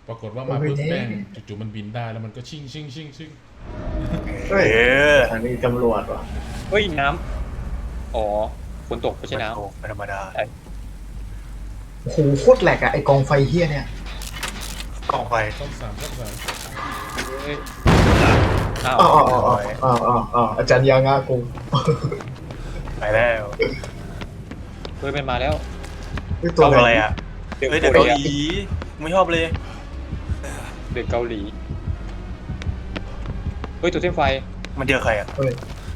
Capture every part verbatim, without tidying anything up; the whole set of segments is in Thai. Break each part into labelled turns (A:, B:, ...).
A: ปรากฏว่ามาปุ๊บแม่งจู่ๆมันบินได้แล้วมันก็ชิ่งชิ่งชิ่งชิ่ง
B: เฮ้ย
C: เออ
B: อันนี้ตำรวจว่ะ
D: เฮ้ยน้ำอ๋อฝนตกไม่ใช่น้
C: โอ้เป็นธรรมดา
B: โอ้โหโคตรแหลกอะไอกองไฟเฮี้ยเนี่ย
C: กองไฟ
A: ต้องสามต้องสาม
D: ำเฮ้ยอ้าว
B: อ๋ออ๋ออ๋ออ๋ออ๋ออ๋ออาจารย์ยางากู
C: ไปแล้ว
D: เฮ้ยมันมาแล้ว
B: เฮ้ย
C: ก
B: ตัว
C: อง
B: อะ
C: อะไร ไรอ่ะ
D: เด็ก
C: เฮ้ยเด็ก
D: เกา
C: เกา
D: ห
C: ห
D: ลี
C: ลีไม่ชอบเลย
D: เด็กเกาหลีเฮ้ยตัวเส้นไฟ
C: มันเจอใครอ่ะ
B: เฮ้ย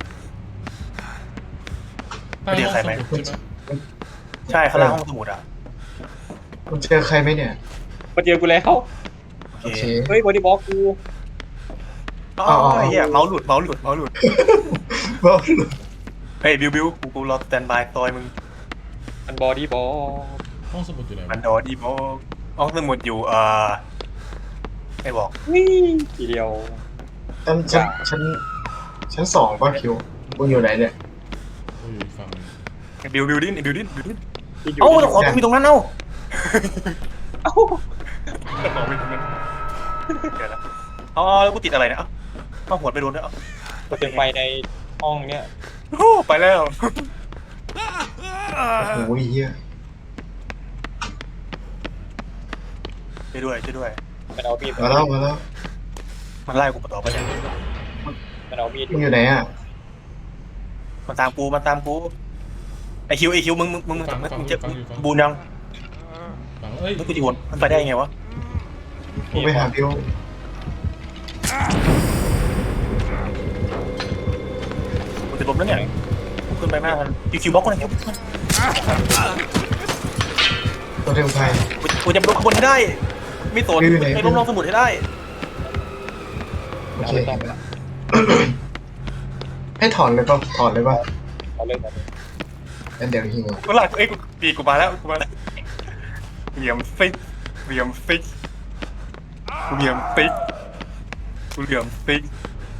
A: ใต้
C: ไม่ได้
A: ห้อง
C: ใคร
A: ส
C: ไหม
A: มุดใช่ไหม
C: ใช่ข้างล่างห้องสมุดอ่ะ
B: มันเจอใครไหมเนี่ย
D: มาเจอกูแล้ว
C: โอ
B: โอ
C: เค
B: เค
D: เฮ้ยบอดี้บล็อกกู
C: อ๋อ
B: อ๋ออ๋อ
C: ไอ้เหี้ยเมาส์หลุดเมาส์หลุดเมาส์หลุด
B: บ้า
C: เฮ้ยบิวบิวกูกูรอสแตนบายซอยมึง
D: มันบอดี้บล็อก
A: ห้องสมุดอยู่ไหน
C: มั
A: วะ
C: นโดดีโมห้องสมุดอยู่เอ่อไม่บอก
D: วิ่งทีเดียว
B: ฉันฉันฉันชั้นสองป่ะคิวมึงอยู่ไหนเนี่ย
A: โอ้ยอยู่อีกฝั่งหนึง
C: ไอ้บิวบิวดิ้นไอ้บิวดิ้นบิวดิ้น
D: ที่ยู่
C: เอ้า
D: ที่
C: แต่ของมีตรงนั้นเอ้า
D: เอ้า
C: แต่ของมีตรงนั้นเดี๋ยวนะอ๋อแล้วกูติดอะไรเนี่ยเอ้าเอาหัวไปโดนด้วยเอ้า
D: ตัวเส้นไฟในห้องเนี้ย
C: โอ้ไปแล้ว
B: โอ้โหเฮี้ย
C: ช่วยด้วยช่วยด้วย
D: มันเอามีด
B: มาแล้วมาแล้ว
C: มันไล่กูต่อไปเนี่ย
D: มันเอามีด
B: มึงอยู่ไหนอะ
C: มันตามกูมันตามกูไอคิวไอคิวมึงมึงมึงมึง
A: ฟัง
C: มึง
A: ฟัง
C: มึง
A: อ
C: จะ
A: ยู่ฟังอยู่ฟัง
C: บูนยัง
A: ฟังเอ้ย
C: มึงกูจะวนมันไปได้ยังไงวะ
B: มึงไปหาบิว
C: กูจะล้มแล้วเนี่ยกูขึ้นไปไม่ทันคิวคิวบล็อกกูหน่อยคิว
B: ตัวเทมไฟ
C: กูกูจะล้มข้างบนให้ได้ไม่สน
B: บิวอยู่ไหน
C: ให้ล้มลงสมุดให้ได้
B: โอ
D: เอา
B: เค
D: เลยต้องไปละ
B: ให้ถอนเลยป่ะถอนเลยป่ะ
D: เอาเลยเอาเลย
B: งั้นเดี๋ยวหิว
C: กูหลักเอ้ยกูปีกูมาแล้วกูมาแล้วเหลี่ยมซิกเหลี่ยมซิกกูเหลี่ยมซิกกูเหลี่ยมซิก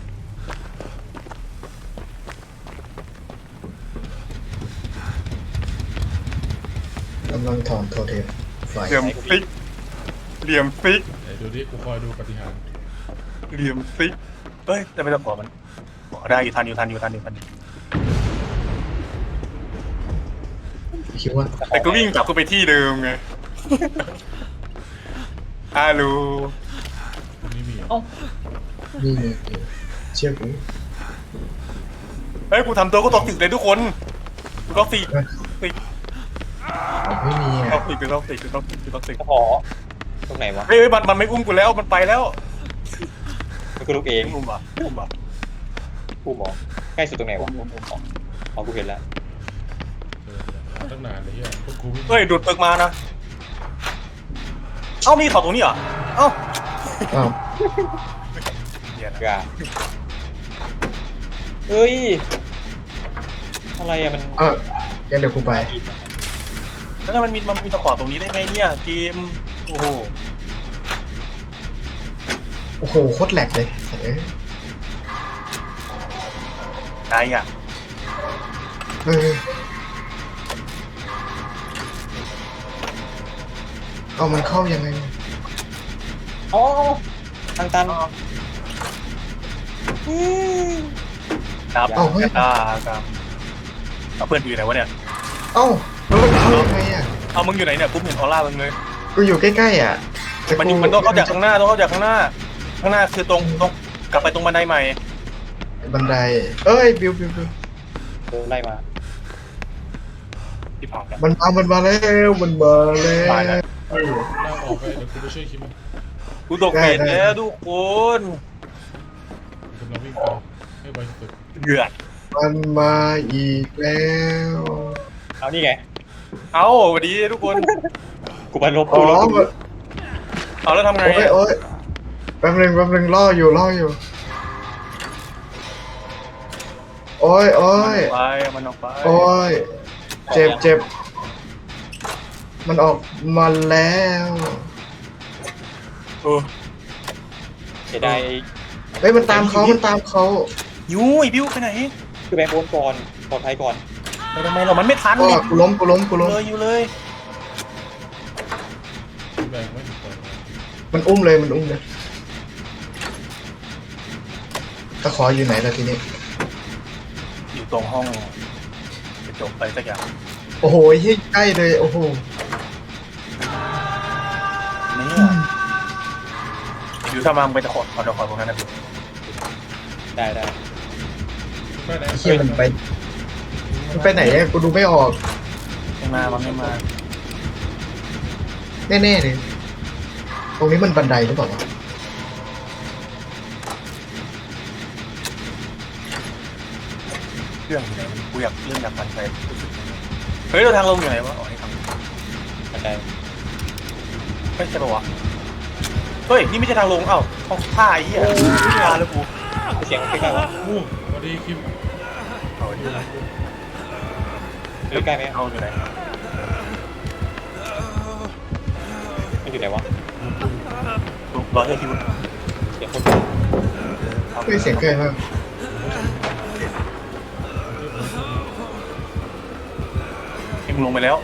B: กำลังถอนโทเทมไฟ
C: เหลี่ยมซิกเหลี่ยมซิก
A: ไหนดูดิกูคอยดูปฏิหารย์
C: เหลี่ยมซิกเอ้ยแต่ไม่ต้องขอมันขอได้อยู่ทันอยู่ทันอยู่ทันอยู่ทันอยู่
B: คิดว่า
C: แต่ก็วิ่งกลับเข้าไปที่เดิมไงฮัลโหล
A: ตรงนี้มีเหรอ
D: เอ้า
B: นี่ไงเชื่อกู
C: เฮ้ยกูทำตัวก็ตอกติดเลยทุกคนกูตอกติดติด
B: ไม่มี
C: ตอ
B: อ่ะ
C: กติดกูตอกติดกูตอกติดกูตอกติด
D: ขอตรงไหนวะ
C: เฮ้ยเฮ้ยมันมันไม่อุ้มกูแล้วมันไปแล้ว
D: มันก็ลูกเอง
C: อุ้มอ่ะอุ้มอ่ะ
D: กูมองใกล้สุดตรงไหนวะอ๋อกูเห็นแล้ว
A: เออหาตั้งนานเลยเฮียพวกกูวิ่ง
C: เฮ้ยดูดปึกมานะเอ้ามีถอดตรงนี้เหรอเอ้า
B: อ้าว
C: เดี๋ยวนะ
D: กาเฮ้ยอะไรอะมัน
B: เอองั้นเดี๋ยวกูไป
C: แล้วถ้ามันมีมันมีตะขอตรงนี้ได้ไงเนี่ยเกมโอ้โห
B: โอ้โหโคตรแหลกเลยเอ้ย
C: ได้อ่ะ
B: เฮ้ยเอามันเข้ายังไง
D: อ๋อทางตัน
C: ครับ
B: เอาเฮ้ย
C: อ่าครับเอาเพื่อนอยู่ไหนวะเนี่ย
B: เอ้าแล้วมันเข้ายังไงอ่ะ
C: เอามึงอยู่ไหนเนี่ยปุ๊บเห็นออร่ามึงเลย
B: กูอยู่ใกล้ๆอ่ะแต่
C: มัน
B: กู
C: มันต้องเข้าจากข้างหน้าต้องเข้าจากข้างหน้า ข้างหน้าคือตรงตรงกลับไปตรงบันไดใหม่
B: บันไดเอ้ยบิวบิวบิว
D: โดนไล่มา
C: ที่ผ่านแล้ว
B: มันมามันมาแล้วมันมาแล้ว
C: ตายแล้ว
B: เฮ้ย
A: ลากออกไปเดี๋ยวกูไปช่วยคิมมัน
C: กูตกเบ็ดแล้วทุกคน
A: กูกำลังวิ่งไปให้ไวที่สุด
C: เดือด
B: มันมาอีกแล้ว
D: เอานี่ไง
C: เอาสวัสดีทุกคน
D: กูไปลบ
B: อ๋
D: กู
B: อ
D: ลบ
B: มัน
C: เอาแล้วทำไง
B: โอ้ยโอ้ยแป๊บนึงแป๊บนึงล่ออยู่ล่ออยู่โอ้ยโอ้ย
C: ไปมันออกไป
B: โอ้ยเจ็บเจ็บมันออกมาแล้ว
C: เออ
D: เสียดาย
B: เฮ้ยมันตามเขามันตามเขา
C: ยูไอ้บิวไปไหน
D: คือแบงค์โอนก่อนปลอดภัยก่อน
C: ไปทำไมเรามันไม่ทัน
B: ก็
C: นี่
B: กูล้มกูล้มกูล้ม
C: เลยอยู่เลย
A: แบงไม่ถึงก่อน
B: มันอุ้มเลยมันอุ้มเลยตะขออยู่ไหนล่ะทีนี้
C: อยู่ตรงห้องกระจกอะไรสักอย่าง
B: โอ้โหเฮ้ยใกล้เลยโอ้โห
C: เนี่ยอยู่ถ้ามาไปตะขอขอตะขอตรงนั้นนะพี่
D: ได้ได้
A: ไปไหน
B: ไอ้เฮียมันไปมันไปไหนเนี่ยกูดูไม่ออก
C: ไม่มามันไม่มา
B: แน่ๆเลยตรงนี้มันบันไดหรือเปล่าวะ
C: เครื่องอยู่ไหนกูอยากเรื่องอยากปั่นไปเฮ้ยเราทางลงอยู่ไหนวะอ๋อนี่ทาง
D: บันได
C: ไม่ใช่ปะวะเฮ้ยนี่ไม่ใช่ทางลงเอ้าห้องผ้าไอ้เหี้ยไม่มาแล้วกู
D: เสียงใกล้ๆวะ
A: อู้สวัสดีคิม
C: เอาอยู่ไหน
D: ใกล้ไหม
C: เอาอยู่ไหน
D: มันอยู่ไหนวะ
C: รอเธอคิว
D: เสียงคน
B: เฮ้ยเสียงใกล้มาก
C: มึงลงไปแล้ว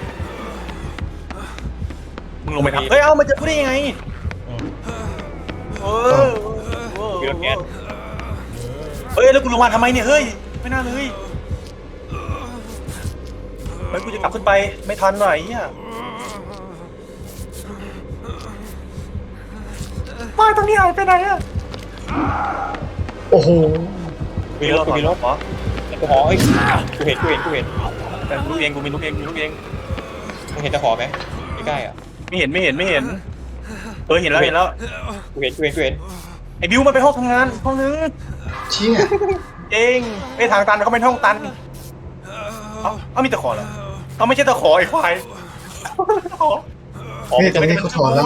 C: มึงลงไปทำเฮ้ยเอ้ามันจะพูดได้ยังไง
A: อ๋อ
C: เออ
D: มีรถแก๊ส
C: เฮ้ยแล้วกูลงมาทำไมเนี่ยเฮ้ยไม่น่าเลยเฮ้ยกูจะกลับขึ้นไปไม่ทันหน่อยเฮียมาตรงนี้หายไปไหนอะ
B: โอ้โห
D: มีรถกูมีรถ
C: เหรอ
D: ตะขอเอ้ยกูเห็นกูเห็นกูเห็น
C: แต่ลูกเองกูมีลูกเองมีลูกเอง
D: มึงเห็นตะขอไหมใกล้ๆอ่ะ
C: ไม่เห็นไม่เห็นไม่เห็นเออเห็นแล้วเห็นแล้ว
D: กูเห็นกูเห็นกูเห็น
C: ไอ้บิวมันไปห้องทำงานห้องนึง
B: เชี่ย
C: เองไอ้ทางตันเขาเป็นห้องตันเอ้าเอ้ามีตะขอเหรอเอาไม่ใช่ตะขอไอ้ควายตะขอ
D: อ๋อ
B: นี่
D: มัน
B: ต
D: จะ
B: รง
D: ไม่
B: นี้เขาถอนแล้ว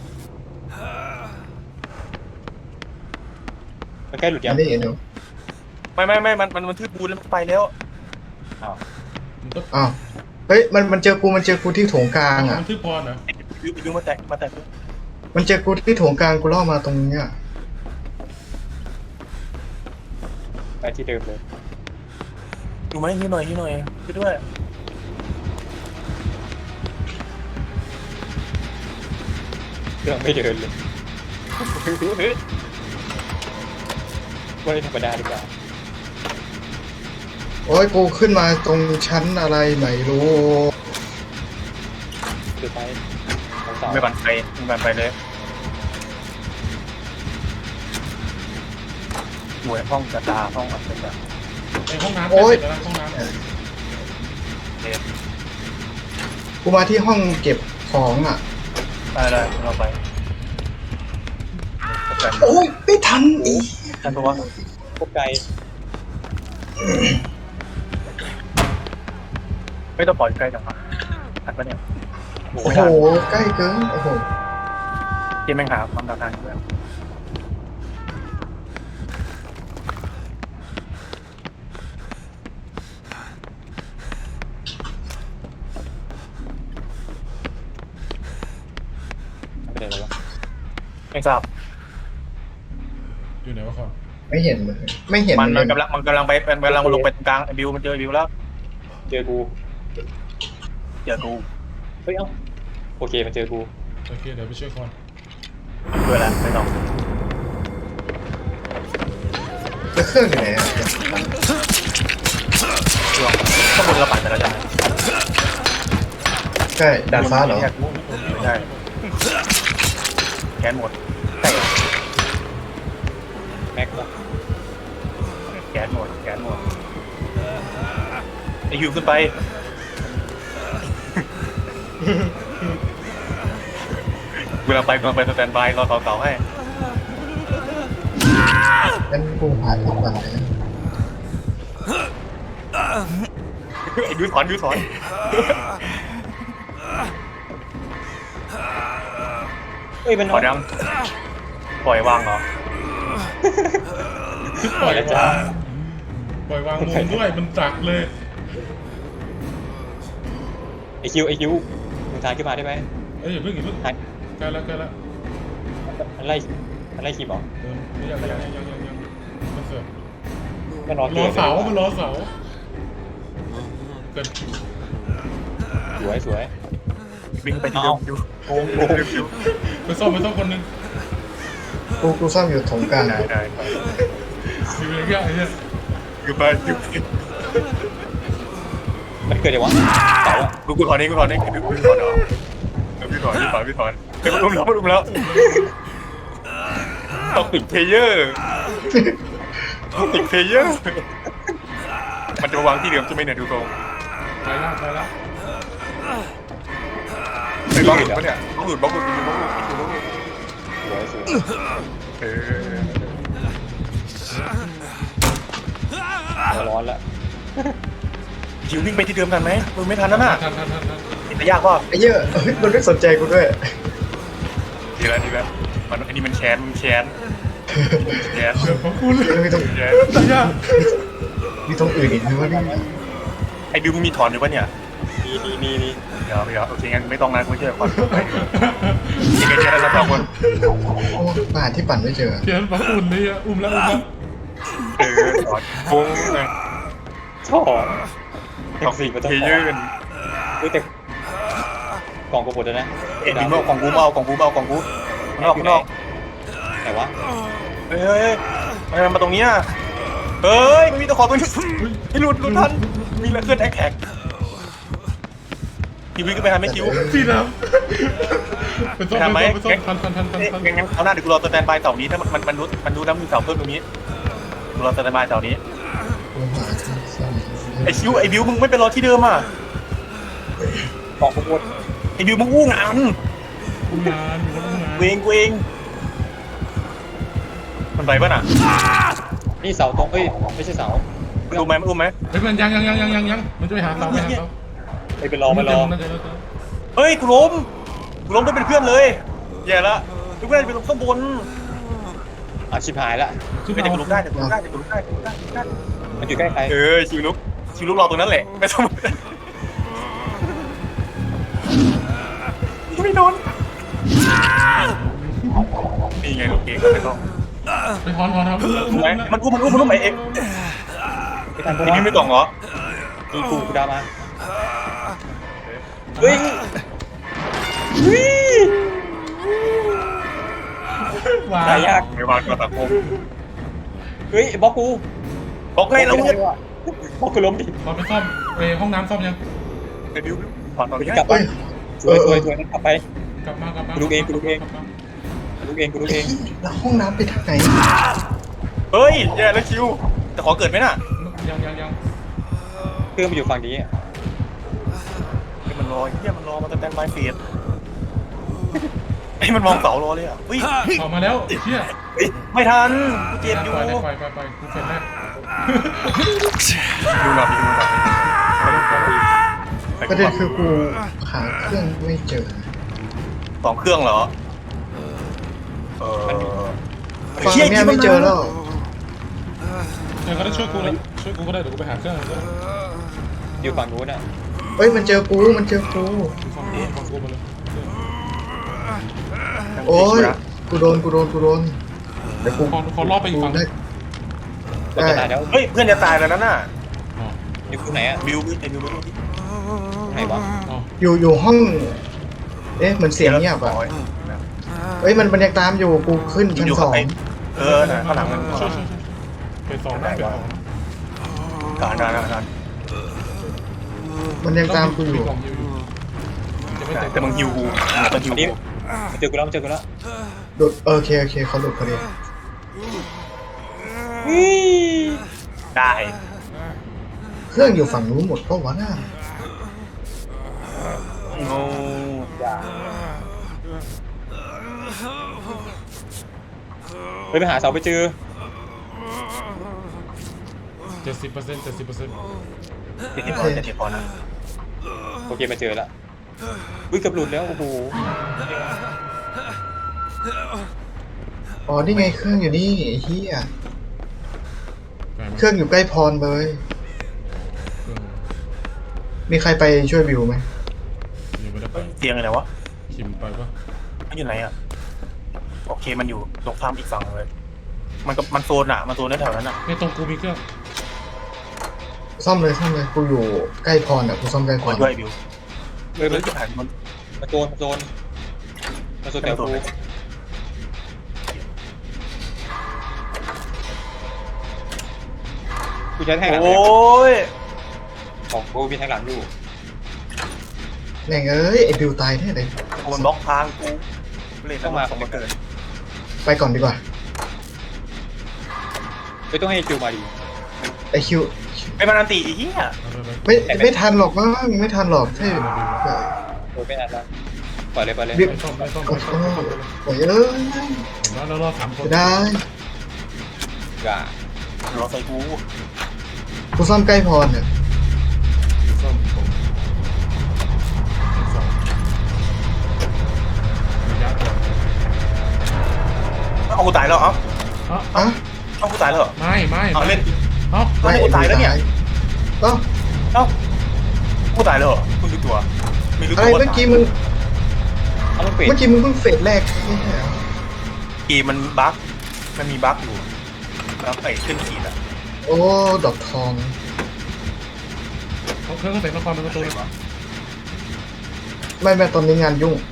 D: มันใกล้หลุดยั
B: อั
D: ง
B: นนี้เห็นอยู่
C: ไม่ไม่ไม่มันมันมันทืบปูนแล้วมันไปแล้ว
A: มันต้อง
B: อ้าวเฮ้ยมันมันเจอกูมันเจอกูที่โถงกลางอ่ะ
A: มันชื่อพรเหรอ
C: ไอ้บิวบิวมาแตะมาแตะ
B: มันเจอกูที่โถงกลางกูล่อมาตรงเนี้ย
D: ไปที่เดิมเลย
C: ดูไหมนิดหน่อยนิดหน่อยช่วยด้วย
D: เครื่องไม่เดินเลยไม่ธรรมดาดีกว่า
B: โอ้ยกูขึ้นมาตรงชั้นอะไรไม่รู้
D: คือไปของสาว
C: ไม่บันไปไม่บันไปเลยหน่วยห้องกระตาห้องอัศจรรย์
A: ไอห้องน้ำใกล้เสร็จแล้วนะห้องน้ำ
C: เด็ด
B: กูมาที่ห้องเก็บของอ่ะ
C: ได้ได้เราไปแต่
B: โอ้ยไม่ทันอีก
C: ท่านบอกว่า
D: พวกไกล
C: ไม่ต้องปล่อยใกล้จังหวะทันปะเนี่ย
D: โอ้
B: โอ้
D: โห
B: โหใกล้เกินโอ้โห
C: เกมแม่งหาความต่างกันด้วย
D: ไม่ได้แล้ววะ
C: ไม่ทราบ
A: อยู่ไหนวะคอน
B: ไม่เห็นเลยไม่เห็น
C: มัน
B: เล
C: มัน
B: ย
C: กำลังมันกำลังไปมันกำลังลงไปตรงกลางไอ้บิวมันเจอไอ้บิวแล้ว
D: เจอกู
C: เจอกู
D: เฮ้ยเอ้าโอเคมันเจอกู
A: โอเคเดี๋ยวไปช่วยคอน
C: ด้วยแล้วไม่ต้อง
B: แล้วเครื่องอยู่ไหนอ่ะ
C: ช่วงข้างบนเราปั่นไปแล้วใช่ไหม
B: ใช่ดาดฟ้าเหรอ
C: ไม่ใช่แกนหมดใช่
D: แม็กซ์วะ
C: แกนหมดแกนหมดไอฮิวขึ้นไปเวลาไปกำลังไปสแตนบายรอต่อเต่าให้
B: งั้นกูหาทางก่อนเลย
C: ไอ้ยูสอนยูสอน
D: เฮ้ยมัน
C: ปล่อยยังปล่อยวางเหรอ
A: ปล่อยวางปล่อยวางมุมด้วยมันจักเลย
D: ไอคิวไอคิวมึงทานขึ้นมาได้ไหม
A: เอ้ยอย่าเพิ่งอย่าเพิ่ง
D: ทาน
A: ใกล้แล้วใกล้แล้ว
D: มันไล่มันไล่คิมเหรอ
A: เออไม่ยังยังยังยังยังมันเสิร์ฟ
D: มันรอ
A: ร
D: เก
A: อ
D: ม
A: เสามันรอเสาเกิน
D: สวยสวย
C: วิ่งไปที่เดิมยู
D: โอ้โห
A: ไปซ่อมไปซ่อมคนหนึง
B: กูกูซ่อมอยู่ถงกลาง
C: ได้ได้
A: คืออะไรเงี้ยไอ้เนี่ย
C: อยู่ไปอยู่ไป
D: มันเกิดยังวะเสาอะ
C: กูกูถอนนี้กูถอนนี้กูกูถอนเหรอพี่ถอนพี่ถอนพี่ถอนเฮ้ยมันอุ้มแล้วมันอุ้มแล้วต้องติดเพลเยอร์ต้องติดเพลเยอร์มันจะมาวางที่เดิมจะไม่เนี่ยดูตรง
A: ไปละไปละ
C: ไอ้บล็อกหลุดปะเนี่ยบล็อกหลุดบล็อกหลุดบล็อกหลุดบล็อกหลุด
D: สวยสวย
C: เออ
D: ร้อนละ
C: จิววิ่งไปที่เดิมกันไหมมึงไม่ทันนั่นน่ะ
A: ทันทันทันทัน
C: เห็นแต่ยากป่ะ
B: ไอ้เหี้ยเฮ้ยมันไม่สนใจกูด้วย
C: ดีแล้วดีแล้วมันอันนี้มันแค้นมันแค้นแค้น
A: เดี๋ยวขอบคุณ
B: แล้วมีตรง
C: แค้น
A: ตายยาก
B: มีตรงอื่นอีกไหมวะเนี่ย
C: ไอ้บิวมึงมีถอนอยู่ปะเนี่ย
D: มีมีมีมี
C: เดี๋ยวเดี๋ยวโอเคงั้นไม่ต้องนะกูเชื่อก่อนไปยังไงแค่นั้นแล้วสองคน
B: โอ้มาหาที่ปั่นไม่เจอ
A: เขียนฝังอุ่นนี่อ่ะอุ้มแล้วอุ้มแล้ว
C: เออถอนฟุ้งเลย
D: ชอบ
C: ต้อง
D: สี่มัน
C: เพ
D: ต้อง
C: เยอร์
D: อุ้ยแต่กล่องกูหมดแล้วนะ
C: เอ็ดบิวเอาของกูเอาของกูเอาของกูข้างนอกข้างนอก
D: ไหนวะ
C: เฮ้ยเฮ้ยทำไมมันมาตรงนี้อ่ะเฮ้ยมันมีตะขอตัวนี้ไม่หลุดหลุดทันมีแล้วเคลื่อนแท็กแท็กคิววิ่งขึ้นไปทำไหมคิว
A: พี่น้ำเป็นส้ม
C: ทำไหม
A: เป็นส้มทันทันทันทันทัน
C: งั้นงั้นเอาหน้าเดี๋ยวกูรอสแตนบายเสาร์นี้ถ้ามันมันมันรู้มันรู้น้ำมีเสาเพิ่มตรงนี้กูรอสแตนบายเสาร์นี้
B: กูหาที่ซ่อม
C: ไอ้คิวไอ้บิวมึงไม่ไปรอที่เดิมอ่ะ
D: กล่องกูหมด
C: ไอ้บิวมึงอู้งาน
A: อุ้มงานอยู่แล้วอุ้มงาน
C: เวงเวงมันไปป่ะน่ะ
D: นี่เสาตรงเอ้ยไม่ใช่เสา
C: มันอุ้มไหมมันอุ้มไหม
A: เฮ้ยมันยังยังยังยังยังยังมันจะไปหาเสาไปหาเสา
D: ไปไปรอไปรอ
A: น่าจะน่าจะ
C: เฮ้ยกูล้มกูล้มได้เป็นเพื่อนเลยแย่ละทุกเพื่อนไปลงข้างบน
D: อาชิบหายละ
A: ขึ้น
C: ไม่
A: เอา
C: แต่กูลุกได้แต่กูลุกได้แต่กูลุกได้กูลุกได้กูลุกได้
D: มันอยู่ใกล้ใคร
C: เออชิวลุกชิวลุกรอตรงนั้นแหละไม่ต้องไม่โดนนี่ไงลูกเก่งก็ไม่ต้อง
A: ไปถอนถอนครับ
C: ถูกไหมมันอุ้มมันอุ้มมันอุ้มไอ้เอ็ม
D: ไม่ทันกู
C: ไอ้นี่ไม่ต้องเหรอ
D: กูกูกูดามาเฮ้ยเฮ้ย
A: ว้า
D: ตายยาก
C: ไม่วางก็สังคม
D: เฮ้ยบล็อกกู
C: บอกไงเราเนี่ย
D: บล็อกกูล้มดิ
A: ตอนไปซ่อมไปห้องน้ำซ่อมยัง
C: ไอ้บิวถอนตอน
D: กู
C: นี้
D: จะกลับไปสวยสวยสวยกลับไป
A: กลับมากลับมา
D: กูดูเองกูดูเอง กูลุกเองกูลุกเอง
B: แล้วห้องน้ำไปทางไหน
C: เฮ้ยแย่แล้วคิวแต่ขอเกิดไหมน่ะ
A: ยังยังยัง
D: เครื่องมันอยู่ฝั่งนี้
C: เฮ้ยมันรอเฮียมันรอมาแต่แตนบายเฟียดไอ้มันมองเสารอเลยอ่ะอุ้ย
A: ออกมาแล้วเชี่ย
C: ไม่ทันกูเจ็บอยู่
A: ไปไปไปไปกูเฟรนแรก
C: ดูหน่อยดูหน่อย
B: ประเด็นคือกูหาเครื่องไม่เจอ
C: สองเครื่องเหรอเออ
B: ฟังเนี่ยไม่เจอแล้ว
A: เดี๋ยวก็ได้ช่วยกูแล้วช่วยกูก็ได้เดี๋ยวกูไปหาเครื่องก็ได้
D: อยู่ฝั่งนู้นอ่ะ
B: เฮ้ยมันเจอกูมันเจอกู
A: ฟังกูฟังกูมาเลย
B: โอ้ยกูโดนกูโดนกูโดนเดี๋ยวกู
A: ขอขอรอบไปอีกฝั่ง
B: ได้
D: เราจะตายแล้ว
C: เฮ้ยเพื่อนจะตายแล้วนั่นน่ะ
A: อ๋อ
D: อยู่ตรงไหนอ่ะ
C: บิวไอ้บิวบิว
D: ไหนวะ
A: อ๋อ
B: อยู่อยู่ห้อง เอ๊ะเหมือนเสียงเงียบอ่ะเฮ้ยมันมันยังตามอยู่กูขึ้นชั้นสอง
C: เออนะข้างหลังมัน
A: ช่วยช่วยช่วยไปสองได้ไปสอง
C: การการการ
B: มันยังตามกูอยู่
A: ของอยู่จะไม่เต็ม
C: แต่มึงฮิวกูมึงฮิว
D: นี่
C: กู
D: มันเจอกูแล้วมันเจอกูแล้ว
B: โดดโอเคโอเคเขาหลุดพอดี
C: ได้
B: เครื่องอยู่ฝั่งนู้นหมดก็วะน่า
C: โง่
D: เฮ้ยไปหาเสาไปเจอ
A: เจ็ดสิบเปอร์เซ็นต์เจ็ดสิบเปอร์เซ็นต์
C: เจ็ดสิบพอเจ็ดสิบพอนะ
D: โอเคมาเจอแล้วอุ้ยเกือบหลุดแล้วโอ้โห
B: อ๋อนี่ไงเครื่องอยู่นี่ไอ้เฮียเครื่องอยู่ใกล้พรเลย มีใครไปช่วยบิวไหม
A: ยังไม่ได้ไป
C: เตียงอะไรวะ
A: คิมไปปะ
C: มันอยู่ไหนอ่ะโอเคมันอยู่ตรงข้ามอีกฝั่งเลยมันก็มันโซนอ่ะมันโซนแถวนั้นอ่ะ
A: ในตรงกูมีเครื่อง
B: ซ่อมเลยซ่อมเลยกูอยู่ใกล้พรอ่ะกูซ่อมใกล้พ
C: ขอ
B: ร
C: ด้วยบิว
D: เฮ้ย
C: เฮ้
D: มั
C: ย
D: น
C: จะผ่านมัน
D: มาโซนมาโซนมาโซนแถวกูกูใช้แทงหลัง
C: โอ้ย
D: ของกูมีแทงหลังอยู่
B: แม่งเอ้ยไอ้บิวตายแน่เลย
C: โดนบล็อกทางกูเล่นมาของมาเกิน
B: ไปก่อนดีกว่า
D: ไม่ต้องให้คิวมาดี
B: ไอคิว
C: ไอ้มันอันตีอีเหี้ย
A: ไปไป
B: ไม่ไม่ทันหรอกมั้งไม่ทันหรอกใช่
D: โดยไม่นานแล้วปล่อยเลยปล่อยเลย
B: บิว
A: ไปซ่อมไปซ่อมไป
B: โอ้
A: ซ่อม
B: โห
A: ไปซ่อม
B: โอ้ยเอ้ย
A: เห็นว่าเรารอสามคน
B: จะได้
D: อย่าร
C: อใส่กู
B: กูซ่อมใกล้พรเนี่ย
A: ซ่อมผมสองระยะก่อน
C: เอากูตายแล้วเอ้า
A: อ๋อ
B: อ่ะ
C: เอากูตายแล้วเหรอ
A: ไม่ไม่
C: เอาเล่น
A: เอ้า
C: ไม่กูตายแล้วเนี่ย
B: เอ้า
C: เอ้ากูตายแล้วเหรอมึงรู้ตัวไม่รู้
B: อะไร
C: ตัวว่า
B: เมื่อ
C: ตาย
B: กี้มึง
D: เอามันเปลี่ยน
B: เมื่อกี้มึงเพิ่งเฟสแรกไม่ใช่เหรอ
C: กีมันบั๊กมันมีบั๊กอยู่แล้วไอ้ขึ้นขีดอะ
B: โอ้ดอกทอง
A: เขาเครื่องเสร็จละครเป็นประตูเลย
B: ไม่แม่ตอนนี้งานยุ่ง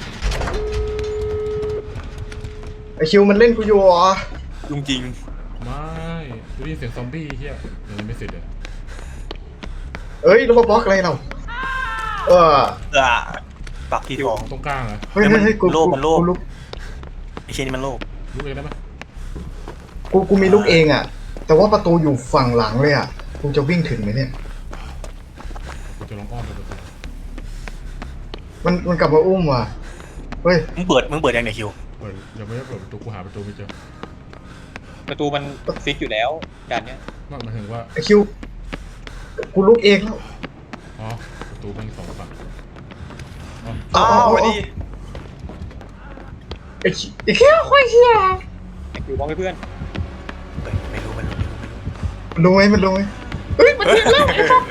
B: ไอคิวมันเล่นกูอยู่เหรอ
C: จริงจริง
A: ไม่ดูดิเสียงซอมบี้เฮียยังไม่เสร็จเลย
B: เอ้ยแล้วมาบล็อกอะไรเราเออ
C: ๆอ่ะบั๊กที่ทอง
A: ตรงกลางเหรอ
B: เฮ้ยเฮ้ยเฮ้ยกู
C: โลภมันโลภ
B: กูลุก
C: ไอ้เชนนี่มันโลภ
A: รู้เองได้ไหม
B: กูกูมีลูกเองอ่ะ แต่ว่าประตูอยู่ฝั่งหลังเลยอ่ะกูจะวิ่งถึงไหมเนี่ย
A: กูจะลองอ้อมไปประตู
B: มันมันกลับมาอุ้มว่ะเฮ้ย
C: มึงเปิดมึงเปิดยังไงคิว
A: เปิดยังไม่ได้เปิดประตูกูหาประตูไม่เจอ
D: ประตูมันฟิกอยู่แล้วการเนี้ย
A: นั่นหมายถึงว่า
B: ไอคิวกูลุกเองแล้ว
A: อ๋อประตูมันสองฝั่งอ๋อ
B: เอา
C: อ้า
B: เอา
C: ว
B: เอา
C: มาดี
B: ไอคิวไอคิวโคตรเฮีย
D: ไอ้คิวบอกให้เพื่อน
C: เฮ้ยไม่รู้ไม่รู้
B: มันรู้ไหมมันรู้ไหมเฮ้ยมัน
C: เฮ้ย
B: เห็นแล้วไอ้สัส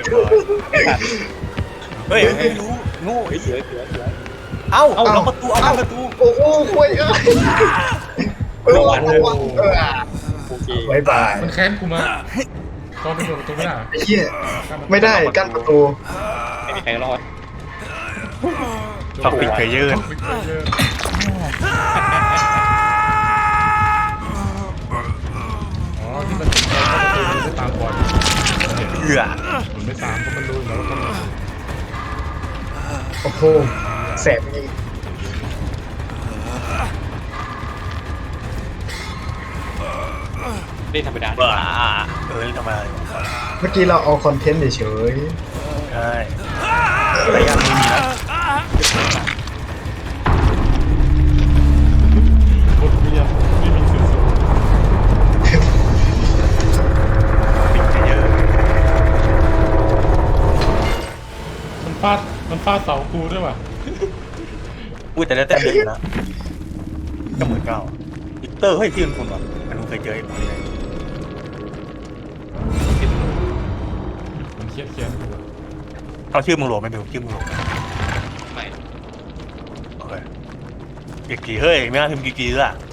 C: เฮ้ยไม่รู้โง่
D: เฮ้ยเสือเสือเสือ
C: เอ้าเอาล็อกประตูเอาล็อกประตู
B: โอ้โหคุยเอ้ยเออวันเออเออ
D: โอเค
B: บายบาย
A: มันแค้นกูมาตอนไปเปิดประตูไม่ได้
B: ไอ้เหี้ยไม่ได้กั้นประตู
D: ไม่มีใครรอด
C: ช็อกปิดเพลเยอร์
A: ปิดเพลเยอร์อ๋อที่มันปิดเข้าประตูมันไม่ตามก่อนเห็น
C: เหือ
A: มันไม่ตามเพราะมันรู้แล้วว่าต้อง
B: โอ้โหแสบจริง
D: เล่นธรรมดา
C: บ้าเอ้ยทำไม
B: เมื่อกี้เราเอาคอนเทนต์เฉย
C: ใช่แต่ยังไม่มีนะ
A: บทเรียนไม่มีสื่อสาร
C: ปิดเพลเยอร์
A: มันฟาดมันฟาดเสากูด้วยว่ะ
C: อุ้ยแต่แล้วแต่เดินนะก็เหมือนเก่าวิกเตอร์เฮ้ยที่มันคุณวะมันเคยเจอไอ้หมอนี่
A: มันเครียดเครียดกูอะ
C: เอาชื่อมึงโหลไหมเบลชื่อมึงโหลไหม
D: ไม่
C: โอเคกีกีเฮ้ยไม่น่าพิมพ์กีกีด้วยอะ